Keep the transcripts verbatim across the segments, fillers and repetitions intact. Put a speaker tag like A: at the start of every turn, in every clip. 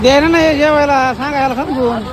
A: द्यायला नाही जेवायला सांगायला समजून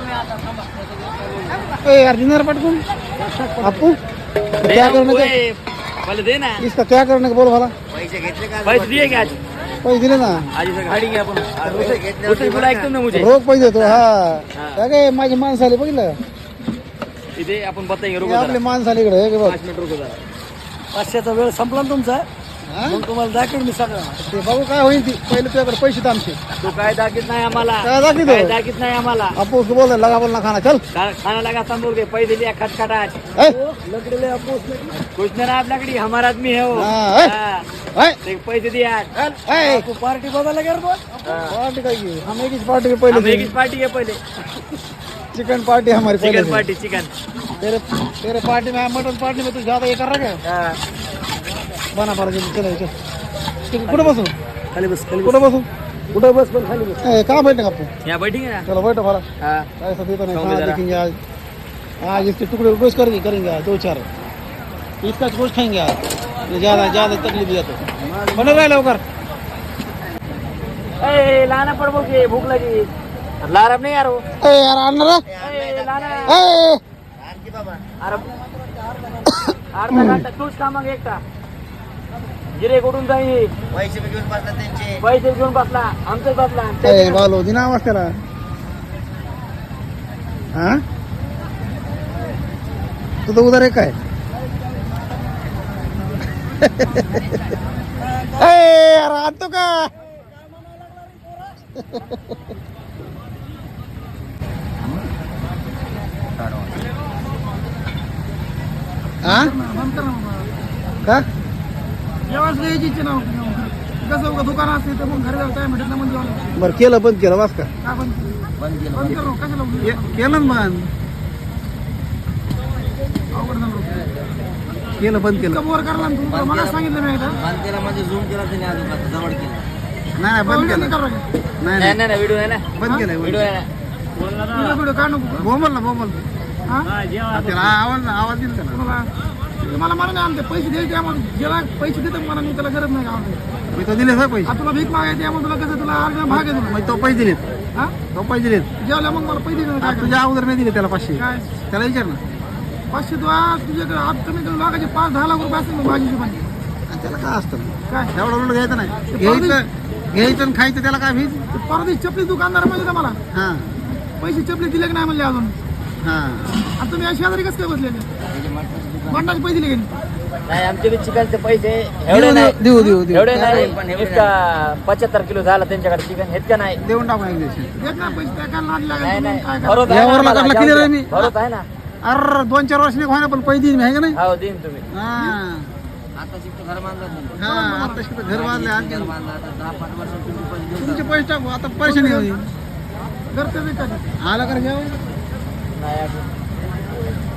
A: यार डिनर पटकून आपू क्या करने के
B: पहले दे ना
A: इसका क्या करने का बोल भला
B: पैसे घेतले का पैसे दिए क्या आज
A: पैसे दिले ना
B: आज इसे गाडी घ्या आपण उसे बोला एकदम ना मुझे
A: रोख पैसे देतो हा काय काय माझी माणसं आली बघितलं
B: इथे आपण बताएंगे रुको
A: आपली माणसं आली इकडे हे बघ
B: पाच मिनिट रुको जरा पाचशेचा वेळ संपला ना तुमचा मग तुम्हाला दाखवेल मी सगळं
A: ते बघू काय होईल ती पहिले तुझ्याकडे पैसे आमचे
B: तू काय दाखीत नाही आम्हाला
A: काय दाखवितो?
B: काय दाखीत नाही आम्हाला
A: आपू उसको बोल लगा बोल ना खाना चल
B: खा- खाना लगा तंदूर के पैसे लिया खटखटाट
A: ए
B: लकड़ी ले आपको कुछ ना आप लकड़ी हमारा आदमी है वो
A: हाँ, ए।
B: हाँ,
A: ए
B: देख पैसे दिया
A: ए
B: आपको पार्टी बदल लगा रे बोल
A: पार्टी का ये हम एक ही पार्टी के
B: हम
A: पहले
B: एक ही पार्टी है पहले
A: चिकन पार्टी हमारी पहले
B: चिकन
A: से।
B: पार्टी चिकन
A: तेरे तेरे पार्टी में मटन पार्टी में तू ज्यादा ये कर रहा है बना पड़ा जल्दी चलो चल ठीक, कुठं बसू
B: खाली बस खाली
A: कुठं बसू
B: कुठं बस पण खाली बस
A: ए कहाँ बैठने का आपको
B: यहाँ बैठेंगे ना
A: चलो बैठो भला
B: हाँ
A: ऐसा देता नहीं
B: खाओगे
A: कहाँ
B: जरा।
A: देखेंगे आज आज इसके टुकड़े गोश्त करेंगे करेंगे आज दो चार इसका गोश्त खाएंगे आज ये ज्यादा ज्यादा तकलीफ दिया तो बने रहे लवकर
B: ए लाना पड़ बोल के भूख लगी ला रहा नहीं यार वो
A: ए यार आणणार
B: ए लाना
A: ए
B: अरे अर्धा घंटा तूच का मग एकटा जिरे कुठून जाईल
C: पैसे घेऊन बसला त्यांचे
B: पैसे घेऊन बसला आमचाच बसला
A: ए बालो दिना आवाज त्याला हा तू तर उधर एक काय ए यार आणतो का हा का
D: कसं दुकान असते तर मग घरी जाऊ काय म्हणत ना म्हणजे
A: बरं केलं बंद केलं वास का
D: काय बंद
C: बंद केलं
D: बंद करू कशाला
A: के- केलं ना बंद
D: अवघड झालं
A: केलं बंद केलं
D: बोर करला ना तू मला सांगितलं मी एकदा
C: बंद केला म्हणजे झूम केला त्यांनी अजून आता जवळ केला
A: नाही नाही बंद केलं
D: करू
A: नाही
B: नाही
A: नाही
B: नाही व्हिडिओ आहे ना
A: बंद केलंय
B: व्हिडिओ आहे ना
D: व्हिडिओ व्हिडिओ काढ नको
A: बोमल ना बोमल
D: हा
A: त्याला आवाज आवाज दिला त्याला
D: तुम्हाला मला मला नाही आमचे पैसे द्यायचे आम्हाला ज्याला पैसे देतो मला मी त्याला गरज नाही का आमचे
A: मी तो दिले सर पैसे
D: आता तुला भीक मागायची आहे मग तुला कसं तुला अर्धा भाग आहे तुला
A: मग तो पैसे दिलेत
D: हा
A: तो पैसे दिलेत
D: जेवल्या मग मला पैसे देतो काय
A: आता तुझ्या अगोदर नाही दिले त्याला पाचशे
D: काय
A: त्याला विचार ना
D: पाचशे तू आज तुझ्याकडे आज कमी कमी लागायचे पाच दहा लाख रुपये असतील मग माझी हिशोबाने
A: आणि त्याला काय असतं
D: काय
A: एवढं उलट घ्यायचं नाही घ्यायचं घ्यायचं आणि खायचं त्याला काय भीज
D: ते परदेश चपली दुकानदार म्हणजे का मला
A: हां
D: पैसे चपली दिले की नाही म्हणले अजून
A: हां
D: आता तुम्ही अशा शेजारी कसं काय बसलेले मटणाचे पैसे दिले की नाही?
B: नाही आमचे बी चिकनचे पैसे
A: देऊ
B: एवढे नाही
A: देऊ देऊ देऊ
B: एवढे
C: नाही,
B: नाही
C: पण एवढे
B: इतका पंच्याहत्तर किलो झाला त्यांच्याकडे चिकन हेत का नाही
A: देऊन टाकू एक दिवशी
D: देत ना पैसे त्या काय नाद
B: नाही
D: लागायचं
B: नाही
D: मग काय
B: भरोसा आहे ना
A: यावर
B: आम्हाला,
A: लागला
B: जाऊ
A: clear
B: द्या.
A: आहे मी.
B: भरोसा आहे ना
A: अरे दोन चार वर्ष नाही ना पण पैसे देईन मी आहे का नाही
B: हो देईन तुम्ही
A: हां
C: आता शिकतो घर बांधलं त्यांनी.
A: हां आता शिकतो घर बांधले आणखी
C: घर बांधलं आता दहा पाच वर्ष तुम्ही पैसे देऊन
A: तुमचे पैसे टाकू आता परेशानी होईल
D: घरचं बी काय
A: आला कर घ्या
B: नाही